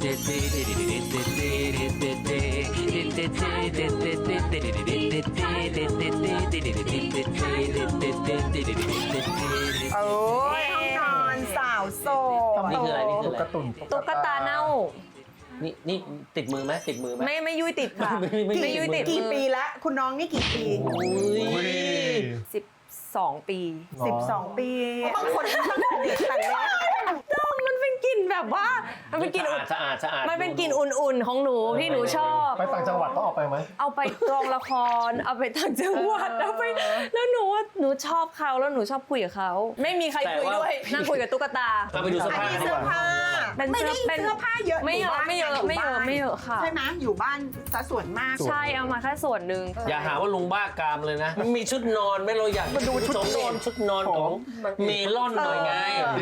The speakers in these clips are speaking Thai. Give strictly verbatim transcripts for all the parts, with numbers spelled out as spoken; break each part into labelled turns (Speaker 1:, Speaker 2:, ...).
Speaker 1: โอ้ยห้องนอนสาวโสด
Speaker 2: นี่คืออะไรนี่คืออะไร
Speaker 3: ตุ๊กตาเน่า
Speaker 2: นี่นี่ติดมือไหมติดมือไหม
Speaker 3: ไม่ไม่ยุ่ยติดค่ะ
Speaker 2: ไม่ไม่
Speaker 3: ไม่ยุ่ยติด
Speaker 1: กี่ปีแล้วคุณน้องนี่กี่ปี
Speaker 3: สิบสองปี
Speaker 1: สิบสองปีบางคนตั้งแต่เด็กแต่แรก
Speaker 3: มันเป็นกลิ่นแบบว่ามันเป็นกลิ่น
Speaker 2: สะอาดสะอาด
Speaker 3: มันเป็นกลิ่นอุ่นๆของหนูที่หนูชอบ
Speaker 4: ไปต่างจังหวัดต้องออกไปไหม
Speaker 3: เอาไปกองละครเอาไปต่างจังหวัดเอาไปแล้วหนูว่าหนูชอบเขาแล้วหนูชอบคุยกับเขาไม่มีใครคุยด้วยนั่งคุยกับตุ๊กตา
Speaker 2: เราไปดูเสื้อ
Speaker 1: อัน
Speaker 2: ผ้า
Speaker 1: นี้
Speaker 2: ดี
Speaker 1: เสื้
Speaker 2: ก
Speaker 1: อ
Speaker 2: ว่า
Speaker 1: ผ้า
Speaker 3: เป็น
Speaker 1: ไม่
Speaker 3: เสื้
Speaker 1: ได้
Speaker 3: อเป็น
Speaker 1: เสื้อผ้าเยอะ
Speaker 3: ไม่เยอะไม่เยอะไม่เยอะไม่เยอะค่ะ
Speaker 1: ใช่ไหมอยู่บ้านซะส่วนมาก
Speaker 3: ใช่เอามาแค่ส่วนหนึ่ง
Speaker 2: อย่าหาว่าลุงบ้ากามเลยนะมีชุดนอนไหม่เราอยากมาดูชุดนอนชุดนอนของเมลอนหน่อยไง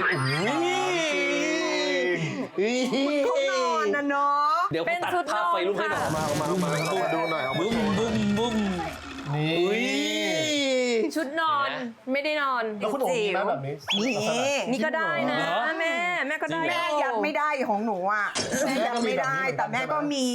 Speaker 1: เขานอนนะเนาะ
Speaker 2: เดี๋ยวผมตัดภาพไฟลุกให้หน่อย
Speaker 4: มาเอามาเอามาเอามาดูหน่อยเอามา
Speaker 2: บุ้มบุ้มบุ้ม
Speaker 4: นี่
Speaker 3: ชุดนอนไม่ได้นอน
Speaker 4: แล้วคุณโอ๋มีไหมแบบนี้
Speaker 1: นี่
Speaker 3: นี่ก็ได้นะแม่แม่ก็ได้
Speaker 1: แม่ยัดไม่ได้ของหนูอ่ะแม่ยัดไม่ได้แต่แม่ก็มี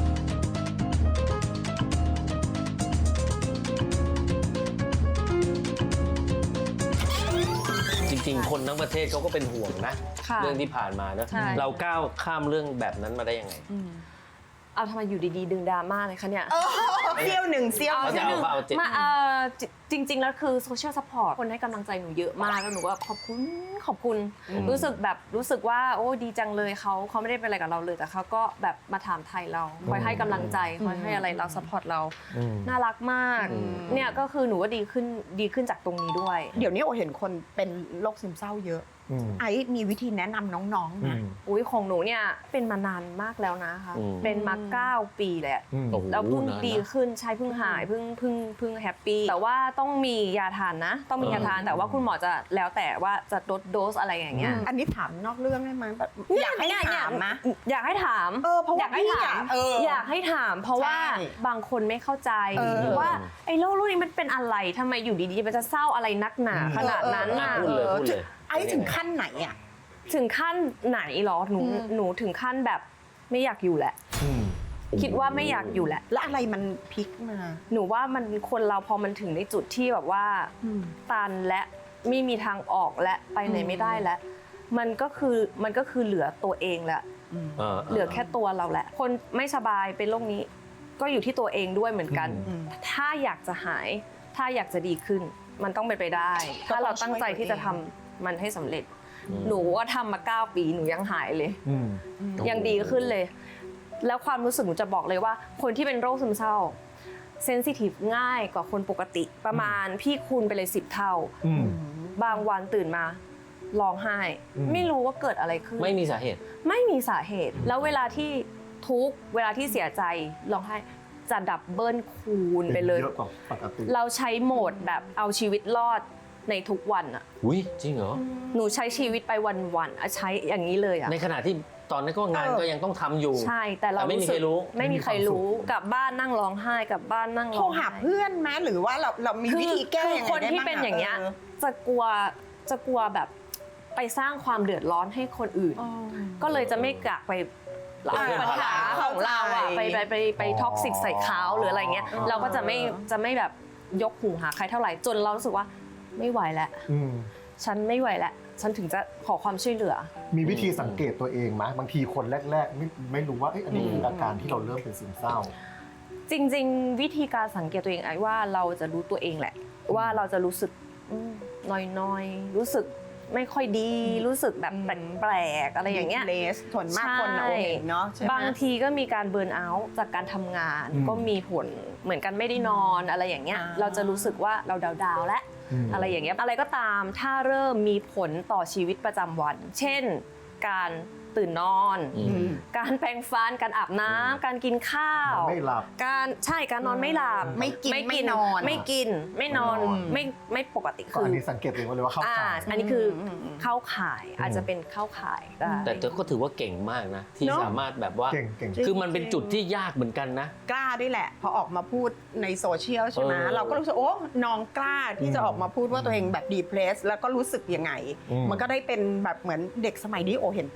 Speaker 2: จริงๆคนทั้งประเทศเขาก็เป็นห่วงนะ
Speaker 3: ค่ะ
Speaker 2: เรื่องที่ผ่านมาเนอะ
Speaker 3: ใช่
Speaker 2: เราก้าวข้ามเรื่องแบบนั้นมาได้ยังไง
Speaker 3: เอาทำไมอยู่ดีๆดึงดราม่าเลยคะเนี่ย
Speaker 1: เออเซี่ยวหนึ่งเซี่ยว
Speaker 2: เอาจะเอาเอาเจ็ด
Speaker 3: มาเอ่อจริง ๆ แล้วคือโซเชียลซัพพอร์ตคนให้กำลังใจหนูเยอะมากแล้วหนูก็ขอบคุณขอบคุณ รู้สึกแบบรู้สึกว่าโอ้ดีจังเลยเขาเขาไม่ได้เป็นอะไรกับเราเลยแต่เขาก็แบบมาถามไทยเราคอยให้กำลังใจคอยให้อะไรเราซัพพอร์ตเราน่ารักมากเนี่ยก็คือหนูว่าดีขึ้นดีขึ้นจากตรงนี้ด้วย
Speaker 1: เดี๋ยวนี้โอเห็นคนเป็นโรคซึมเศร้าเยอะไอ้มีวิธีแนะนำน้องๆนะ
Speaker 3: อุ้ยของหนูเนี่ยเป็นมานานมากแล้วนะคะ
Speaker 2: อืม
Speaker 3: เป็นมาเก้าปีแหละ
Speaker 2: โอ้โห
Speaker 3: แล้วเพิ่ง
Speaker 2: นานนะ
Speaker 3: ดีขึ้นใช่เพิ่งหายเพิ่งเพิ่งเพิ่งแฮปปี้แต่ว่าต้องมียาทานนะ ต้องมียาทานแต่ว่าคุณหมอจะแล้วแต่ว่าจะลดโดสอะไรอย่างเงี้ย
Speaker 1: อันนี้ถามนอกเรื่องได้ไหมแบบอยากให้
Speaker 3: เนี่ย
Speaker 1: ถามนะ
Speaker 3: อยากให้ถาม
Speaker 1: เออเพราะว่า
Speaker 3: อยากให้
Speaker 1: พี่
Speaker 3: ถาม
Speaker 1: อะเอออ
Speaker 3: อยากให้ถาม เพราะว่า
Speaker 1: ใช่
Speaker 3: บางคนไม่เข้าใจ
Speaker 1: เออ
Speaker 3: ว่าไอ้โรครุ่นนี้มันเป็นอะไรทำไมอยู่ดีๆมันจะเศร้าอะไรนักหนาขนาดนั้นน่ะ
Speaker 2: พูดเลยพูดเลย
Speaker 1: ไอ้ถึงขั้นไหนอ่ะ
Speaker 3: ถึงขั้นไหนหรอหนูหนูถึงขั้นแบบไม่อยากอยู่แหละ คิดว่าไม่อยากอยู่แหละ
Speaker 1: แล้วอะไรมันพลิกมา
Speaker 3: หนูว่ามันคนเราพอมันถึงในจุดที่แบบว่าตันและไม่มีทางออกและไปไหนไม่ได้แล้วมันก็คือมันก็คือเหลือตัวเองแหละ เหลือแค่ตัวเราแหละ คนไม่สบายเป็นโรคนี้ ก็อยู่ที่ตัวเองด้วยเหมือนกัน ถ้าอยากจะหาย ถ้าอยากจะดีขึ้น มันต้องเป็นไปได้ ถ้าเราตั้งใจที่จะทำมันให้สำเร็จ หนูก็ทำมาเก้าปีหนูยังหายเลย ยังดีขึ้นเลย แล้วความรู้สึกหนูจะบอกเลยว่า คนที่เป็นโรคซึมเศร้าเซนซิทีฟง่ายกว่าคนปกติประมาณพี่คูณไปเลยสิบเท่า บางวันตื่นมาร้องไห้ ไม่รู้ว่าเกิดอะไรขึ้น
Speaker 2: ไม่มีสาเหตุ
Speaker 3: ไม่มีสาเหตุ แล้วเวลาที่ทุกข์เวลาที่เสียใจร้องไห้จะดับเบิลคูณไปเลย
Speaker 4: เยอะกว่าปกติ
Speaker 3: เราใช้โหมดแบบเอาชีวิตรอดในทุกวันอะ
Speaker 2: อุ้ยจริงเหรอ
Speaker 3: หนูใช้ชีวิตไปวันๆอะใช้อย่างนี้เลยอะ
Speaker 2: ในขณะที่ตอนนั้นก็งาน
Speaker 1: เออ
Speaker 2: ก็ยังต้องทำอยู่
Speaker 3: ใช่แต่เรา
Speaker 2: แต่ไม่มีใครรู้
Speaker 3: ไม่มีใครรู้กลับบ้านนั่งร้องไห้กลับบ้านนั่ง
Speaker 1: โทร
Speaker 3: ร้องไห้
Speaker 1: หาเพื่อนไหมหรือว่าเราเรามี
Speaker 3: คือ
Speaker 1: วิธีแก้
Speaker 3: คือ
Speaker 1: ยังไง
Speaker 3: คน
Speaker 1: ได้
Speaker 3: ที่
Speaker 1: บ้าง
Speaker 3: เป็นอย่างเงี้ย
Speaker 1: อ
Speaker 3: จะกลัวจะกลัวแบบไปสร้างความเดือดร้อนให้คนอื่น ก็เลยจะไม่กลักไปเอาปัญหาของเราอะไปไปไปไปท็อกซิกใส่เขาหรืออะไรเงี้ยเราก็จะไม่จะไม่แบบยกหูหาใครเท่าไหร่จนเรารู้สึกว่าไม่ไหวแล้วฉันไม่ไหวแล้วฉันถึงจะขอความช่วยเหลือ
Speaker 4: มีวิธีสังเกตตัวเองไหมบางทีคนแรกๆไม่ไม่รู้ว่าเอ้ยอันนี้คืออาการที่เราเริ่มเป็นซึมเศร้า
Speaker 3: จริงๆ วิธีการสังเกตตัวเองไอ้ว่าเราจะรู้ตัวเองแหละ ว่าเราจะรู้สึกน้อยๆรู้สึกไม่ค่อยดี รู้สึกแบบแปลกๆอะไรอย่างเงี้ย
Speaker 1: เลสส่วนมากคนเราเห็นเนาะใช่ไหม
Speaker 3: บางทีก็มีการเบิร์นเอาท์จากการทำงาน
Speaker 4: อืม
Speaker 3: ก็มีผลเหมือนกันไม่ได้นอนอะไรอย่างเงี้ย
Speaker 1: อ่า
Speaker 3: เราจะรู้สึกว่าเราดาวๆแล้ว
Speaker 4: อืม
Speaker 3: อะไรอย่างเงี้ยอะไรก็ตามถ้าเริ่มมีผลต่อชีวิตประจำวัน เช่น การตื่นนอน
Speaker 2: อืม
Speaker 3: การแปรงฟันการอาบน้ำการกินข้าว
Speaker 4: ไม่หลับ
Speaker 3: การใช่การนอนไม่หลับ
Speaker 1: ไม่กินไม่นอน
Speaker 3: ไม่กินไม่นอน
Speaker 4: ไม่นอน
Speaker 3: ไม่ไม่ปกติ
Speaker 4: ก็
Speaker 3: คือ
Speaker 4: อั
Speaker 3: อั
Speaker 4: นนี้สังเกตตัวเองเลยว่าเข้าข่าย
Speaker 3: อันนี้คืออ
Speaker 1: ม
Speaker 3: เข้าข่ายอาจจะเป็นเข้าข่ายได้
Speaker 2: แต่เธอก็ถือว่าเก่งมากนะ ที่
Speaker 1: เนอะ
Speaker 2: สามารถแบบว่า
Speaker 4: เก่งเก่ง
Speaker 2: คือมันเป็นจุดที่ยากเหมือนกันนะ
Speaker 1: กล้าด้วยแหละ พอออกมาพูดในโซเชียลใช่ไหม
Speaker 2: เออ
Speaker 1: เราก็รู้สึกโอ้น้องกล้าที่จะออกมาพูดว่าตัวเองแบบดีเพรสแล้วก็รู้สึกยังไง
Speaker 4: อืม
Speaker 1: มันก็ได้เป็นแบบเหมือนเด็กสมัยนี้โอเห็นเป็นเยอะไง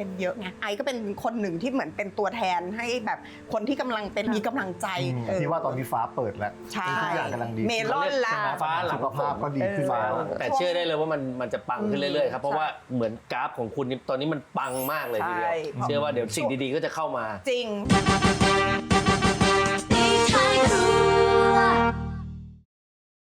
Speaker 1: ไงไอก็เป็นคนหนึ่งที่เหมือนเป็นตัวแทนให้แบบคนที่กำลังเป็นมีกำลังใจเออ
Speaker 4: ที่ว่าตอนนี้ฟ้าเปิดแล้ว
Speaker 1: ใช่
Speaker 4: ทุกอย่างกำลังดี
Speaker 1: เมลอนละ
Speaker 2: ฟ้าหลัง
Speaker 4: สุขภาพก็ดีขึ้นแล้ว
Speaker 2: แต่เชื่อได้เลยว่ามันมันจะปังขึ้นเรื่อยๆครับเพราะว่าเหมือนกราฟของคุณนี่ตอนนี้มันปังมากเลยทีเดียว
Speaker 1: ใช่
Speaker 2: เชื่อว่าเดี๋ยวสิ่งดีๆก็จะเข้ามา
Speaker 1: จริง
Speaker 5: ตีท้ายครัว